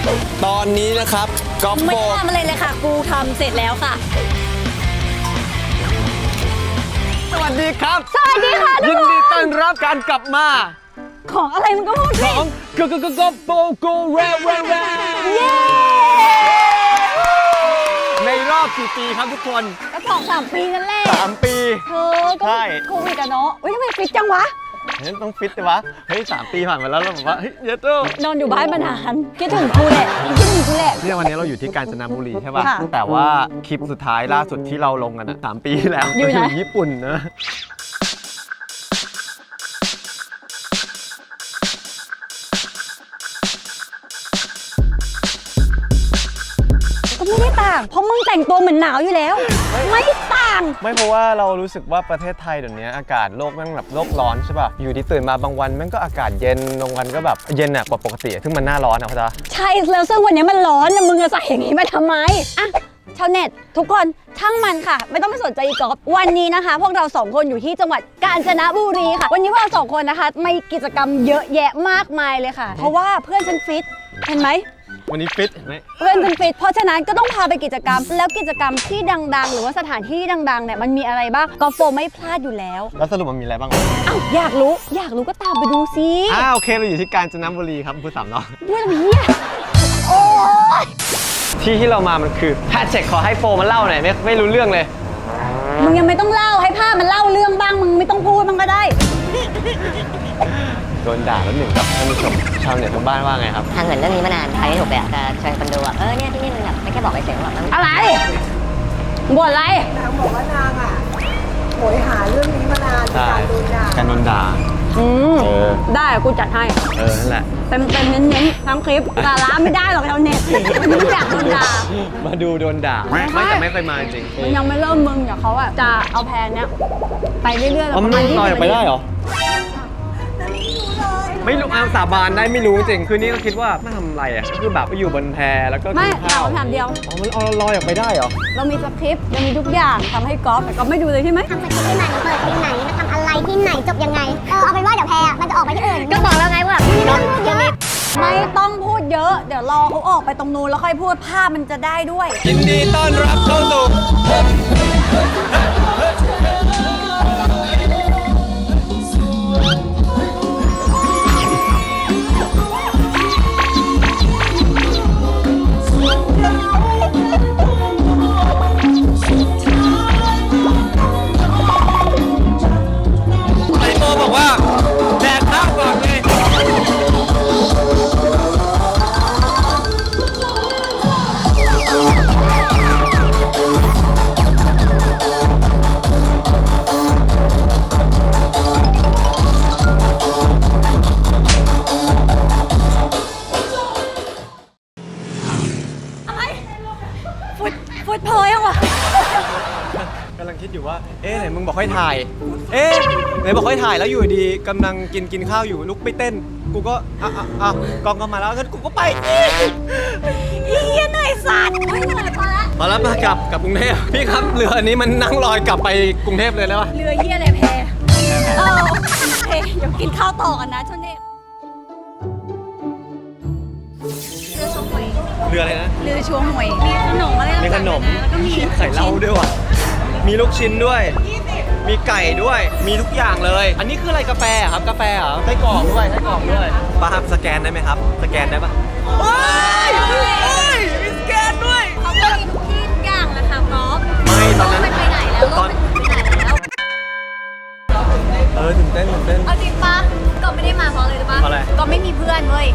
ตอนนี้นะครับกอล์ฟไม่โฟได้ทำอะไรเลยค่ะ กูทำเสร็จแล้วค่ะสวัสดีครับสวัสดีค่ะทุยิกนคนดีต้อนรับการกลับมาของอะไรมันก็พูดขสิองกอล์ฟโฟโกแรแรแรเย้ในรอบกี่ปีครับทุกคนก็2-3 ปีนั่นแหละ 3 ปีเธอก็ใช่โควิดอะเนาะเฮ้ยทำไมฟิตจังวะเฮ้ยต้องฟิตเลยวะเฮ้ย3 ปีผ่านมาแล้วเราบอกว่าเฮ้ยเยอะโต้นอนอยู่บ้านมานานคิดถึงกูแหละคิดถึงกูแหละเนี่ยวันนี้เราอยู่ที่กาญจนบุรีใช่ป่ะค่ะแต่ว่าคลิปสุดท้ายล่าสุดที่เราลงกันอะ3 ปีที่แล้วอยู่ไหนญี่ปุ่นนะก็ไม่ได้ต่าง เพราะมึงแต่งตัวเหมือนหนาวอยู่แล้ว ไม่ต่างไม่เพราะว่าเรารู้สึกว่าประเทศไทยเดี๋ยวนี้อากาศโลกแม่งแบบโลกร้อนใช่ป่ะ อยู่ที่ตื่นมาบางวันแม่งก็อากาศเย็นบางวันก็แบบเย็นอะกว่าปกติซึ่งมันหน้าร้อนอะเข้าใจปะใช่แล้วซึ่งวันนี้มันร้อนนะมึงจะใส่อย่างนี้มาทำไมอ่ะชาวเน็ตทุกคนช่างมันค่ะ ไม่ต้องไปสนใจอีกอล์ฟวันนี้นะคะ พวกเรา2คนอยู่ที่จังหวัดกาญจนบุรีค่ะ วันนี้พวกเรา2คนนะคะมีกิจกรรมเยอะแยะมากมายเลยค่ะ เพราะว่าเพื่อนฉันฟิตเห็นไหมวันนี้ฟิตเห็นไหมเพื่อนฉันฟิตเพราะฉะนั้นก็ต้องพาไปกิจกรรม แล้วกิจกรรมที่ดังๆ หรือว่าสถานที่ที่ดังๆเนี่ยมันมีอะไรบ้างกอล์ฟโฟไม่พลาดอยู่แล้วแล้วสรุปมันมีอะไรบ้างอ้าวอยากรู้ก็ตามไปดูสิโอเคเราอยู่ที่กาญจนบุรีครับพูดสามเนาะด้วยเฮียโอ้ยที่เรามามันคือแพทเช็คขอให้โฟมันเล่าหน่อยไม่รู้เรื่องเลยมึงยังไม่ต้องเล่าให้ภาพมันเล่าเรื่องบ้างมึงไม่ต้องพูดมันก็ได้โดนด่าแล้วหนึ่งครับท่านผู้ชมชาวเน็ตทางบ้านว่าไงครับทางเหมือนเรื่องนี้มานานใครไม่ถูกเลยอะจะเชิญคนดูอะเนี่ยที่นี่มันแบบไม่แค่บอกเฉยๆว่าแบบมันอะไรบ่นอะไรนางบอกว่านางอ่ะโหยหาเรื่องนี้มานานใช่การโดนด่าการโดนด่าอืมเออได้กูจัดให้นั่นแหละเต็มเน้นๆทั้งคลิปสาระไม่ได้หรอกชาวเน็ตมึงอยากโดนด่ามาดูโดนด่า ไม่แต่ไม่เคยมาจริงมันยังไม่เริ่มมึงเดี๋ยวเขาอะจะเอาแพนเนี้ยไปเรื่อยๆอ๋อมันประลอยออกไปได้เหรอไม่รู้เลยไม่รู้เอาสาบานได้ไม่รู้จริง คืนนี้ก็คิดว่าไม่ทำอะไรอ่ะก็คือแบบไปอยู่บนแพแล้วก็ไม่กินถาข้าม วคำถามเดียวอ๋อมันเอาลอยออกไปได้เหรอเรามีสคริปต์เรามีทุกอย่างทำให้กอล์ฟแต่กอล์ฟไม่ดูเลยใช่ไหมทำสกิปที่ไหนเปิดที่ไหนมาทำอะไรที่ไหนจบยังไง เอาเป็นว่าเดี๋ยวแพรมันจะออกไปที่อื่น ก็บอกแล้วไงว่าแบบมีเรื่องพูดเยอะไม่ต้องพูดเยอะ เดี๋ยวรอเขาออกไปตรงนู้นแล้วค่อยพูดภาพมันจะได้ด้วยยินดีต้อนรับเข้าสู่ไอโตบอกว่าแดกข้าวก่อนไงฟุตเพยยังวะกำลังคิดอยู่ว่า ไหนมึงบอกให้ถ่าย ไหนบอกให้ถ่ายแล้วอยู่ดีกำลังกินข้าวอยู่ลุกไปเต้น กูก็กองก็มาแล้วงั้นกูก็ไปอีเหี้ยเหนื่อยสัตว์ไม่เหนื่อยพอละมาแล้วมากลับกรุงเทพพี่ครับเรืออันนี้มันนั่งลอยกลับไปกรุงเทพเลยแล้ววะเรือเหี้ยอะไรแพโอเคเดี๋ยวกินข้าวต่อกันนะชนเนตเรือชมหวยเรืออะไรนะเรือชวงหวยมีขนมอะไรมีขนมแล้วก็มีไข่เหล้าด้วยว่ะมีลูกชิ้นด้วย มีไก่ด้วย มีทุกอย่างเลย อันนี้คืออะไรกาแฟอะครับกาแฟเหรอไส้กรอกด้วยป้าครับสแกนได้ไหมครับ สแกนได้ปะโอ้ยมีสแกนด้วยเขาก็มีทุกที่ทุกอย่างแหละค่ะก๊อฟไม่ตอนนั้นโลกมันไปไหนแล้วโลกมันไปไหนแล้วตื่นเต้นเอาจริงปะก็ไม่ได้มาเพราะอะไรรู้ปะเพราะอะไรก็ไม่มีเพื่อนเว้ย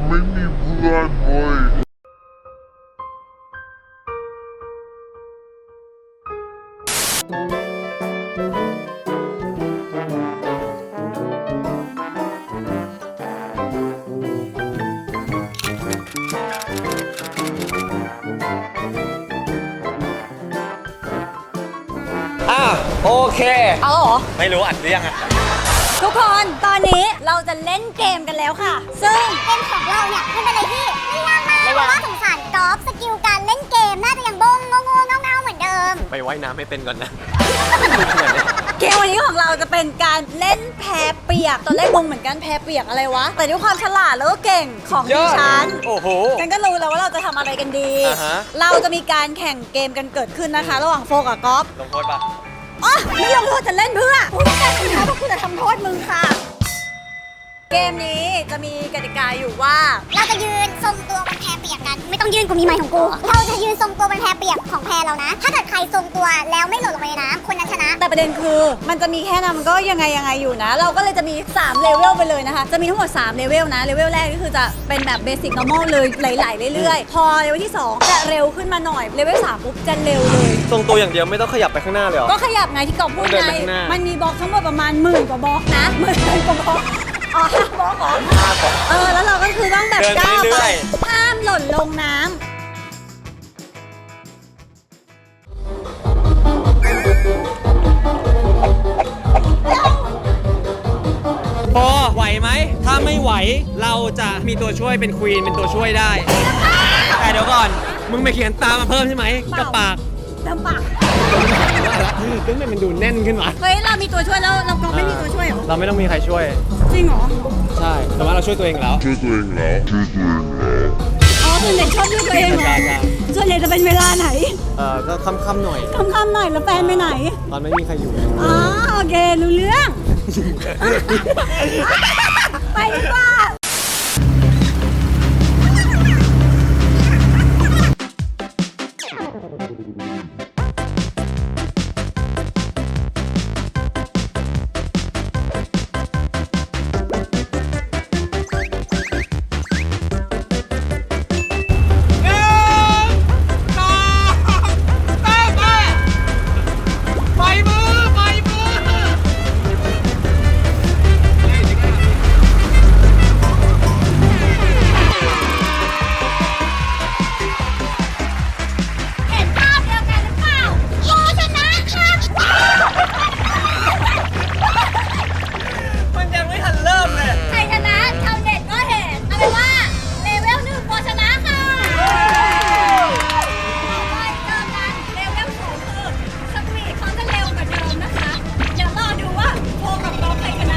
โอเคเอาเหรอไม่รู้อัดหรือยังอะทุกคนตอนนี้เราจะเล่นเกมกันแล้วค่ะ ซึ่งเกมของเราเนี่ยมันเป็นอะไรที่ไม่ยากมากเพราะว่าสงสารกอล์ฟสกิลการเล่นเกมน่าจะยังบ้งงงๆเงาๆเหมือนเดิมไปว่ายน้ำให้เป็นก่อนนะเกมวันนี้ของเราจะเป็นการเล่นแพเปียกตอนแรกงงเหมือนกันแพเปียกอะไรวะ แต่ด้วยความฉลาดแล้วก็เก่งของดิฉันโอ้โหฉันก็รู้แล้วว่าำอะไรกันดีอ่าฮะเราจะมีการแข่งเกมกันเกิดขึ้นนะคะ ระหว่างโฟกับก๊อฟลงโทษปะอ๋อไม่ลงโทษจะเล่นเพื่อกูต้องการคุณนะเพราะกูจะทำโทษมึงค่ะ เกมนี้จะมีกติกาอยู่ว่าเราจะยืนทรงตัวบนแพเปียกกัน ไม่ต้องยืนกูมีไม้ของกู เราจะยืนทรงตัวบนแพเปียกของแพเรานะ ถ้าเกิดใครทรงตัวแล้วไม่หล่นลงไปในน้ำคนนั้นชนะแต่ประเด็นคือมันจะมีแค่นั้นมันก็ยังไงอยู่นะ เราก็เลยจะมี3เลเวลไปเลยนะคะ จะมีทั้งหมด3เลเวลนะเลเวลแรกก็คือจะเป็นแบบเบสิก normal เลยไหลๆเรื่อยๆ พอเลเวลที่2จะเร็วขึ้นมาหน่อยเลเวล3ปุ๊บจะเร็วเลยทรงตัวอย่างเดียวไม่ต้องขยับไปข้างหน้าเลยเหรอก็ขยับไงที่กอบพูดเดินไงไปข้างหน้ามัมันมีบล็อกทั้งหมดประมาณ10,000 กว่าบล็อกนะ10,000 กว่าบล็อกอ๋อ5บล็อกเหรอแล้วเราก็คือต้องแบบเดินไปก้าวเรื่ไปอยห้ามหล่นลงน้ำพอไหวไหม ถ้าไม่ไหวเราจะมีตัวช่วยเป็นควีนเป็นตัวช่วยได้ แต่เดี๋ยวก่อน มึงไม่เขียนตามมาเพิ่มใช่ไหมกับปากลำบากตึ้งมันดูแน่นขึ้นวะเฮ้ยเรามีตัวช่วยแล้วเราก็ไม่มีตัวช่วยเหรอเราไม่ต้องมีใครช่วยจริงเหรอใช่ แต่ว่าเราช่วยตัวเองแล้วอ๋อส่วนใหญ่ชอบด้วยตัวเองเหรอใช่ส่วนใหญ่จะเป็นเวลาไหนก็ค่ำๆหน่อยค่ำๆหน่อยแล้วแฟนไปไหนตอนไม่มีใครอยู่อ๋อโอเครู้เรื่อง ไปดีกว่าเห็นภาพเดียวกันหรือเปล่าโมชนะครับมันยังไม่ทันเริ่มเลยใครชนะชาวเน็ตก็เห็นเอาเป็นว่าเลเวล1โมชนะค่ะต่อไปเจอกันเลเวล2คือสปีดเขาจะเร็วกว่าเดิมนะคะ เดี๋ยวรอดูว่าโฟกับน้องใครชนะ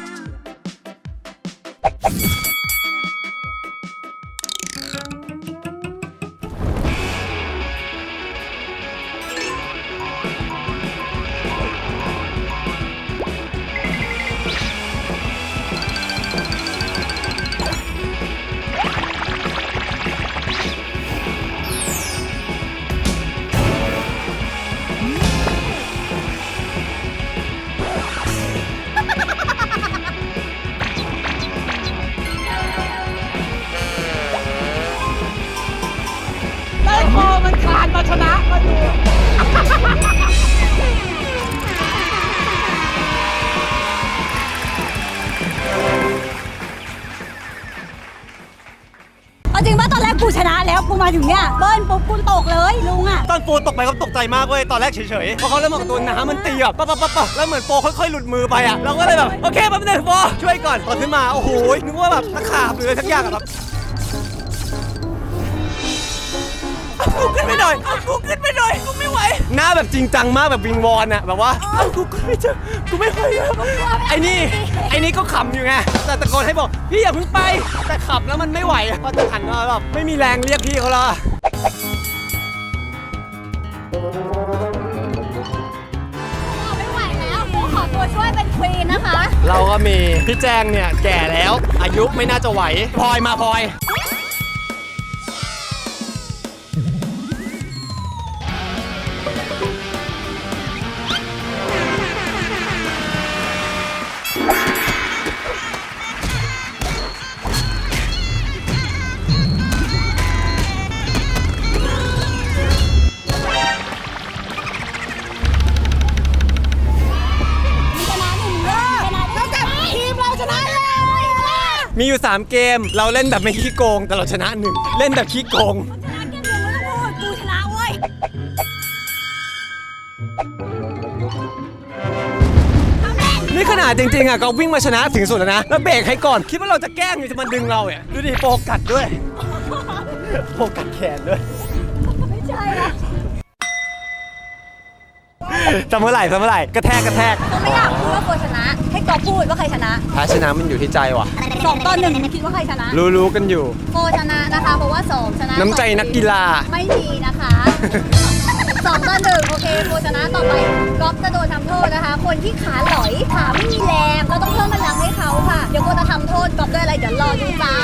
เอาจริงป่ะตอนแรกกูชนะแล้วกูมาถึงเนี่ยเบิ้ลปุ๊บกูตกเลยลุงอ่ะตอนโฟตกไปก็ตกใจมากเว้ย ตอนแรกเฉยๆ พอเขาเริ่มบอกตัวน้ำมันตีแบบปั๊บแล้วเหมือนโฟค่อยๆหลุดมือไปอ่ะ เราก็เลยแบบ โอเคแป๊บนึงโฟช่วยก่อนตอนขึ้นมา โอ้โห นึกว่าแบบตะขาบหรืออะไรสักอย่างอะแบบกูขึ้นไปหน่อยกูขึ้นไปหน่อยกูไม่ไหว หน้าแบบจริงจังมากแบบวิงวอนอะแบบว่ากูขึ้นไม่เจอกูไม่ไหวแล้วไอ้นี่ก็ขำอยู่ไง แต่ตะโกนให้บอกพี่อย่าเพิ่งไป แต่ขับแล้วมันไม่ไหวอะพอจะหันมาแบบไม่มีแรงเรียกพี่เขาแล้วอะไม่ไหวแล้วกูขอตัวช่วยเป็นควีนนะคะเราก็มีพี่แจงเนี่ยแก่แล้ว อายุไม่น่าจะไหวพลอยมาพลอย มีอยู่ 3 เกม เราเล่นแบบไม่ขี้โกง แต่เราชนะ 1 เล่นแบบขี้โกงกูชนะเว้ยนี่ขนาดจริงๆอ่ะก็วิ่งมาชนะถึงสุดแล้วนะ แล้วเบรกให้ก่อน คิดว่าเราจะแกล้งอยู่จะมาดึงเราอ่ะดูดิโฟกัสด้วย โฟกัสแขนด้วยไม่ใช่ละจำเมื่อไหร่กระแทกก็ไม่อยากพูดว่าโฟชนะ ให้กอพูดว่าใครชนะถ้าชนะมันอยู่ที่ใจว่ะ 2-1คิดว่าใครชนะรู้กันอยู่โฟชนะนะคะ เพราะว่า2ชนะน้ำใจนักกีฬาไม่มีนะคะ2-1โอเคโฆษณาต่อไปก๊อฟจะโดนทำโทษนะคะ คนที่ขาหลอยขาไม่มีแรงเราต้องเพิ่มพลังให้เขาค่ะ เดี๋ยวโฆจะทำโทษก๊อฟด้วยอะไรเดี๋ยวรอดูจ้า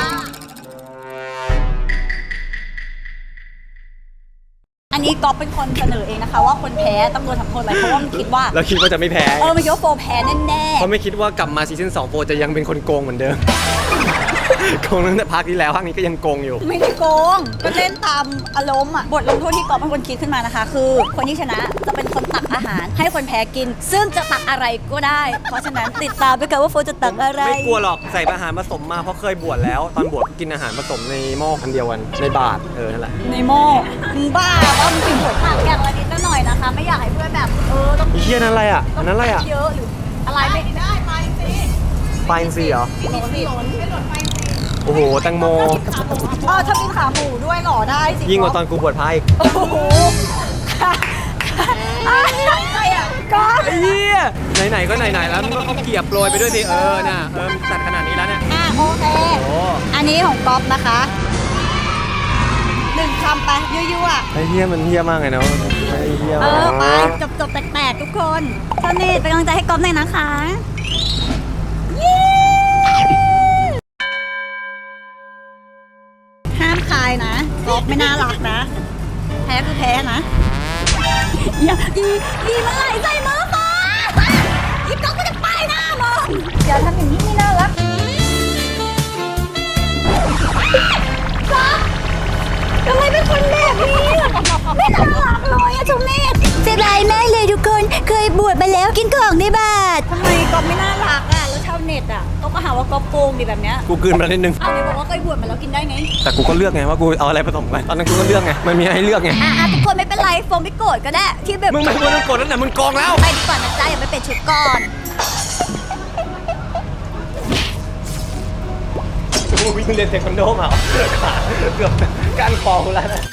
อันนี้ก๊อฟเป็นคนเสนอเองนะคะ ว่าคนแพ้ต้องโดนทำโทษอะไรเพราะว่ามันคิดว่าเราคิดว่าจะไม่แพ้มันคิดว่าโฟแพ้แน่เพราะไม่คิดว่ากลับมาซีซั่น2โฟจะยังเป็นคนโกงเหมือนเดิม โกงตั้งแต่ภาคที่แล้วภาคนี้ก็ยังโกงอยู่ๆไม่ได้โกงก็เล่นตามอารมณ์อ่ะบทลงโทษที่ก๊อฟเป็นคนคิดขึ้นมานะคะ คือคนที่ชนะจะเป็นคนตักอาหาร ให้คนแพ้กิน ซึ่งจะตักอะไรก็ได้ เพราะฉะนั้นติดตามไปกันว่าโฟจะตักอะไรไม่กลัวหรอกใส่อาหารผสมมาเพราะเคยบวชแล้ว ตอนบวชกินอาหารผสมในหม้อคันเดียวกันในบาตรนั่นแหละในหม้อมึงบ้าว่ามึงกินผลผักอย่างละนิดละหน่อยนะคะ ไม่อยากให้เพื่อนแบบต้องไอ้เหี้ยนั่นอะไรอ่ะอันนั้นอะไรอ่ะเยอะหรืออะไรไม่ได้ไปสิปลาอินทรีเหรอ โอ้โหแตงโมถ้ามีขาหมูด้วยหล่อได้สิยิ่งกว่าตอนกูบวชพระอีกโอ้โหอะไรอ่ะก็ไอ้เหี้ยไหนๆก็ไหนๆแล้วมึงก็เอาเกียบโปรยไปด้วยสิน่ะตัดขนาดนี้แล้วเนี่ยโอเคโอ้อันนี้ของก๊อฟนะคะ1คำไปยั่วๆไอ้เหี้ยมันเหี้ยมากเลยเนาะไอ้เหี้ยไปจบแตกๆทุกคนท่านเนตเป็นกำลังใจให้ก๊อฟหน่อยนะคะห้ามคายนะก๊อฟไม่น่ารักนะแพ้คือแพ้นะอย่าอีเมื่อไหร่ใส่มือมาอีก๊อฟก็จะป้ายหน้ามึงอย่าทำอย่างนี้ไม่น่ารักก๊อฟทำไมเป็นคนแบบนี้ไม่น่ารักเลยอะชุมเนตเสียดายมากเลยทุกคน เคยบวชมาแล้วกินของในบาตรทำไมก๊อฟไม่น่ารักอ่ะแล้วชาวเน็ตอ่ะก็มาหาว่าก๊อฟโกงดิแบบเนี้ยกูกลืนมานิดนึงเอาไหนบอกว่าเคยบวชมาแล้วกินได้ไงแต่กูก็เลือกไงว่ากูเอาอะไรผสมกันตอนนั้นกูก็เลือกไงมันมีให้เลือกไงทุกคนไม่เป็นไรโฟมไม่โกรธก็ได้ที่แบบมึงไม่ควรต้องกดนั่นแหละมึงกองแล้วไปดีกว่านะจ๊ะอย่าไปเป็นชุดก่อนกูวิ่งเรียนเทควันโดมาขาเกือบก้านคอกูแล้วนะ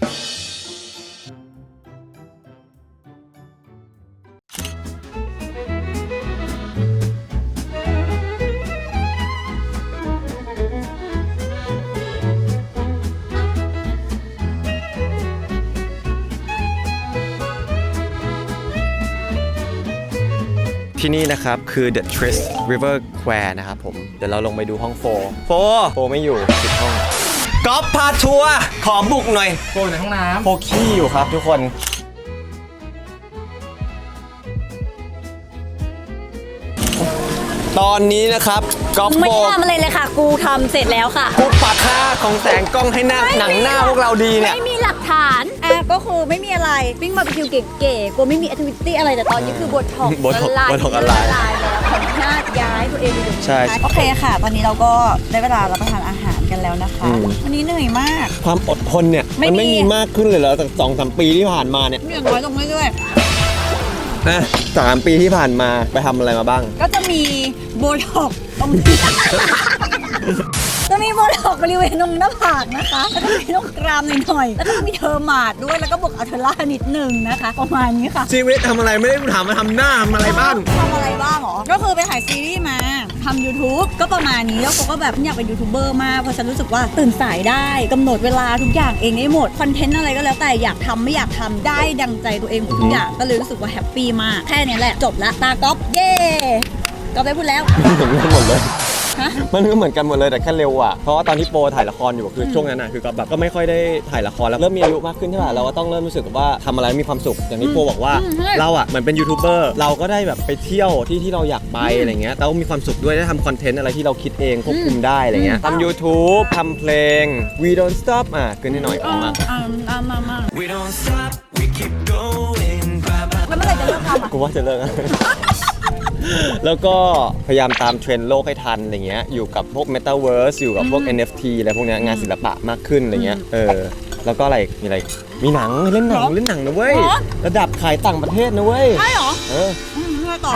ที่นี่นะครับคือ The Trist River Square นะครับผมเดี๋ยวเราลงไปดูห้องโฟไม่อยู่ปิดห้องก๊อฟพาทัวร์ขอบุกหน่อยโฟในห้องน้ำโฟขี้อยู่ครับทุกคน ตอนนี้นะครับก๊อฟไม่โฟทำอะไรเลยค่ะ กูทำเสร็จแล้วค่ะกูปัดค่าของแสงกล้องให้หน้าหนังหน้าพวกเราดีเนี่ยไม่มีหลักฐานก็คือไม่มีอะไรวิ่งมาไปคิวเก๋ๆกูไม่มีแอคทิวิตี้อะไรแต่ตอนนี้คือบทถกบทถกอะไรแล้วขอหน้าย้ายตัวเองไปอยู่ใช่โอเคค่ะ ตอนนี้เราก็ได้เวลารับประทานอาหารกันแล้วนะคะ วันนี้เหนื่อยมากความอดทนเนี่ยไม่มันมีไม่มีมากขึ้นเลยเหรอจาก2-3 ปีที่ผ่านมาเนี่ยอย่างน้อยลงเรื่อยนะ3 ปีที่ผ่านมาไปทำอะไรมาบ้างๆก็จะมีโบท็อกซ์ตรงนี้ จะมีโบท็อกซ์บริเวณตรงหน้าผากนะคะแล้วก็มีตรงกรามหน่อยๆแล้วก็มีเทอร์มาดด้วยแล้วก็บวกอัลเทอร่านิดนึงนะคะประมาณนี้ค่ะชีวิตทำอะไรไม่ได้ถามมาทำหน้าทำอะไรบ้างทำอะไรบ้างหรอ ก็คือไปถ่ายซีรีส์มาทำ YouTube ก็ประมาณนี้แล้วก็แบบอยากเป็นยูทูบเบอร์มากเพราะฉันรู้สึกว่าตื่นสายได้กำหนดเวลาทุกอย่างเองได้หมดคอนเทนต์อะไรก็แล้วแต่อยากทำไม่อยากทำได้ดังใจตัวเองหมดทุกอย่างก็เลยรู้สึกว่าแฮปปี้มากแค่นี้แหละจบละตาก๊อฟเย่ก๊อฟได้พูดแล้วเหมือนกันหมดเลยฮะมันก็เหมือนกันหมดเลยแต่แค่เร็วอ่ะ เพราะว่าตอนที่โปรถ่ายละครอยู่คือช่วงนั้นอ่ะคือก็แบบก็ไม่ค่อยได้ถ่ายละครแล้วเริ่มมีอายุมากขึ้นใช่ป่ะเราก็ต้องเริ่มรู้สึกว่าทำอะไรมีความสุขอย่างที่โปรบอกว่าเราอ่ะเหมือนเป็นยูทูบเบอร์เราก็ได้แบบไปเที่ยวที่เราอยากไปอะไรเงี้ยแล้วมีความสุขด้วยได้ทำคอนเทนต์อะไรที่เราคิดเองควบคุมได้อะไรเงี้ยทำ YouTube ทำเพลง We Don't Stop เกินนิดหน่อยออกมามา We don't stop, we keep going. แล้วเมื่อไหร่จะเลิกทำอ่ะกูว่าจะเลิก แล้วก็พยายามตามเทรนด์โลกให้ทันอะไรเงี้ยอยู่กับพวก Metaverse อยู่กับพวก NFT อะไรพวกเนี้ยงานศิลปะมากขึ้นอะไรเงี้ยแล้วก็อะไรมีอะไรมีหนังเล่นหนังนะเว้ยระดับขายต่างประเทศนะเว้ยใช่เหรอ มือต่อ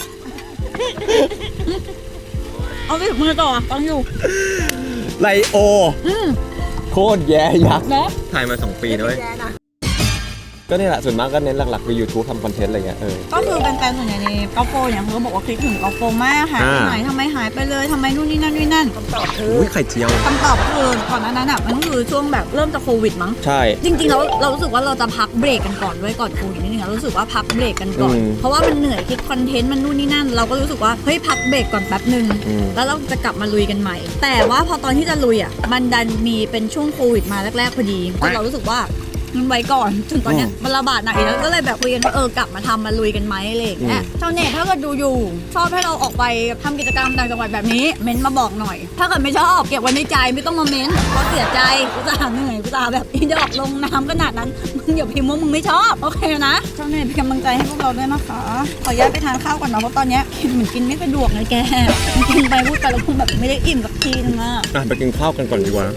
เอาสิมือต่อฟังอยู่ไลโอโคตรแย่ยักษ์เนาะถ่ายมา2 ปีนะเว้ยก็นี่แหละส่วนมากก็เน้นหลักๆคือ YouTube ทำคอนเทนต์อะไรเงี้ยก็คือเป็นแฟนส่วนใหญ่ในกอล์ฟโฟเนี่ยเขาก็บอกว่าคิดถึงกอล์ฟโฟมากหายไปไหนทำไมหายไปเลยทำไมนู่นนี่นั่นคำตอบคืออุ้ยไข่เจียวคำตอบคือก่อนหน้านั้นอ่ะมันก็คือช่วงแบบเริ่มจะโควิดมั้งใช่จริงๆแล้วเรารู้สึกว่าเราจะพักเบรกกันก่อนด้วยก่อนโควิดนิดนึงอะรู้สึกว่าพักเบรกกันก่อนเพราะว่ามันเหนื่อยคิดคอนเทนต์มันนู่นนี่นั่นเราก็รู้สึกว่าเฮ้ยพักเบรกก่อนแป๊บนึงแล้วเราจะกลับมาลุยกันใหม่แต่ว่าพอตอนที่จะลุยอ่ะมันดันมีเป็นช่วงโควิดมาแรกๆพอดีเรารู้สึกว่ามันไว้ก่อนจนตอนเนี้ยมันระบาดหนักอีกแล้วก็เลยแบบคุยกันว่ากลับมาทำมาลุยกันไหมอะไรอย่างเงี้ยชาวเน็ตถ้าเกิดดูอยู่ชอบให้เราออกไปทำกิจกรรมต่างจังหวัดแบบนี้เม้นมาบอกหน่อยถ้าเกิดไม่ชอบเก็บไว้ในใจไม่ต้องมาเม้นเพราะเสียใจกูจะเหนื่อยกูจะแบบอีดอกลงน้ำขนาดนั้นมึงอย่าพิมพ์ว่ามึงไม่ชอบโอเคนะชาวเน็ตเป็นกำลังใจให้พวกเราด้วยนะคะขออนุญาตไปทานข้าวก่อนนะเพราะตอนเนี้ยเหมือนกินไม่สะดวกเลยแกกินไปพูดไปแล้วคงแบบไม่ได้อิ่มสักทีนึงอะไปกินข้าวกันก่อนดีกว่า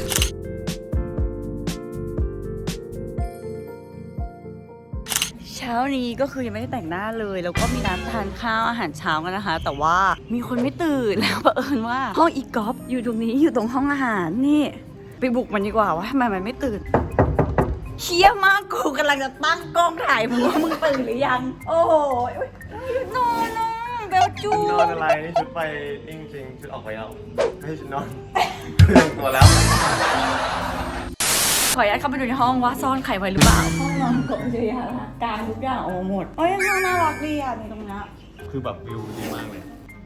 เช้านี้ก็คือยังไม่ได้แต่งหน้าเลยแล้วก็มีร้านทานข้าวอาหารเช้ากันนะคะแต่ว่ามีคนไม่ตื่นแล้วเผอิญว่าห้องอีกอล์ฟอยู่ตรงนี้อยู่ตรงห้องอาหารนี่ไปบุกมันดีกว่าว่าทำไมมันไม่ตื่นเชี่ยมากกูกำลังจะตั้งกล้องถ่ายมึงว่ามึงตื่นหรือยังโอ้โหนอนเบลจูนอนอะไรนี่ชุดไปจริงๆชุดออกไปแล้วให้ชุดนอนตัวแล้วขออนุญาตเข้าไปดูในห้องว่าซ่อนไข่ไว้หรือเปล่าห้องนอนกบเยอะกลางทุกอย่างโอ้หมดเอ้ยห้องน่ารักดีอ่ะในตรงนี้คือแบบวิวดีมากเลย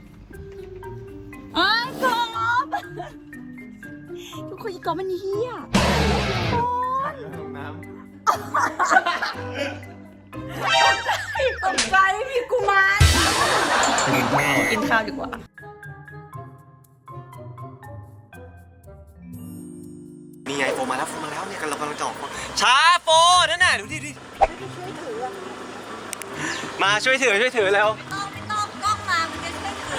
กอบทุกคนอีกอบมันเฮี้ยตกใจพี่กุมารกินข้าวดีกว่านี่ไงโฟมาแล้วเนี่ยเรากำลังจะออกช้าโฟนั่นน่ะดูดิมาช่วยถือแล้วไม่ต้องกล้องมามันจะช่วยถือ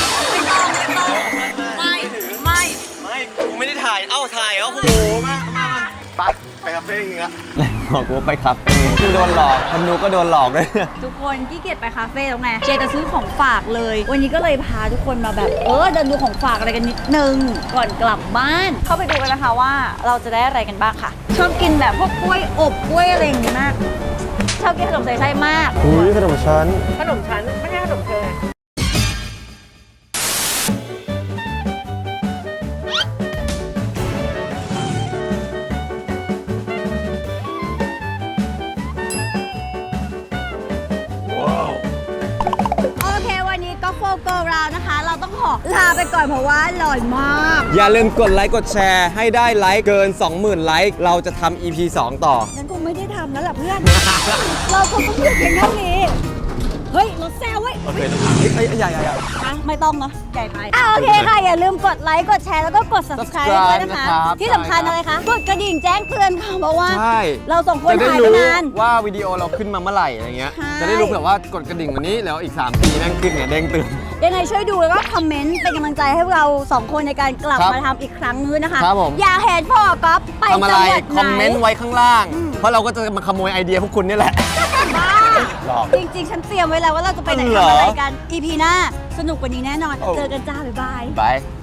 ไม่กูไม่ได้ถ่ายถ่ายโอ้โหมาไปคาเฟ่อีกแล้วบอกกูว่าไปคาเฟ่คือโดนหลอกคนดูก็โดนหลอกเลยทุกคนขี้เกียจไปคาเฟ่แล้วไงเจจะซื้อของฝากเลยวันนี้ก็เลยพาทุกคนมาแบบเดินดูของฝากอะไรกันนิดนึงก่อนกลับบ้านเข้าไปดูกันนะคะว่าเราจะได้อะไรกันบ้างค่ะชอบกินแบบพวกกล้วยอบกล้วยอะไรอย่างเงี้ยมากชอบกินขนมใส่ไส้มากอุ้ยขนมชั้นไม่ใช่ขนมเธอเราต้องขอลาไปก่อนเพราะว่าอร่อยมากอย่าลืมกดไลค์กดแชร์ให้ได้ไลค์เกิน 20,000 ไลค์เราจะทำ EP 2 ต่องั้นคงไม่ได้ทำแล้วล่ะเพื่อน เราคงต้องหยุดเพียงเท่านี้เฮ้ยรถแซวเว้ยโอเคใหญ่ไม่ต้องเนาะใหญ่ไปโอเคค่ะอย่าลืมกดไลค์กดแชร์แล้วก็กด subscribe ด้วยนะคะที่สำคัญอะไรคะกดกระดิ่งแจ้งเตือนค่ะเพราะว่าเราส่งคนถ่ายไปนานว่าวิดีโอเราขึ้นมาเมื่อไหร่อะไรเงี้ยจะได้รู้เผื่อว่ากดกระดิ่งวันนี้แล้วอีก3 ปีแม่งขึ้นเนี่ยเด้งตื่นยังไงช่วยดูแล้วก็คอมเมนต์เป็นกำลังใจให้เรา2 คนในการกลับมาทำอีกครั้งนึงนะคะอยากเห็นพ่อก๊อฟไปจังหวัดไหนคอมเมนต์ไว้ข้างล่างเพราะเราก็จะมาขโมยไอเดียพวกคุณนี่แหละจริงๆฉันเตรียมไว้แล้วว่าเราจะไปไหนทำอะไรกัน EP หน้าสนุกกว่านี้แน่นอนเจอกันจ้าบ๊ายบาย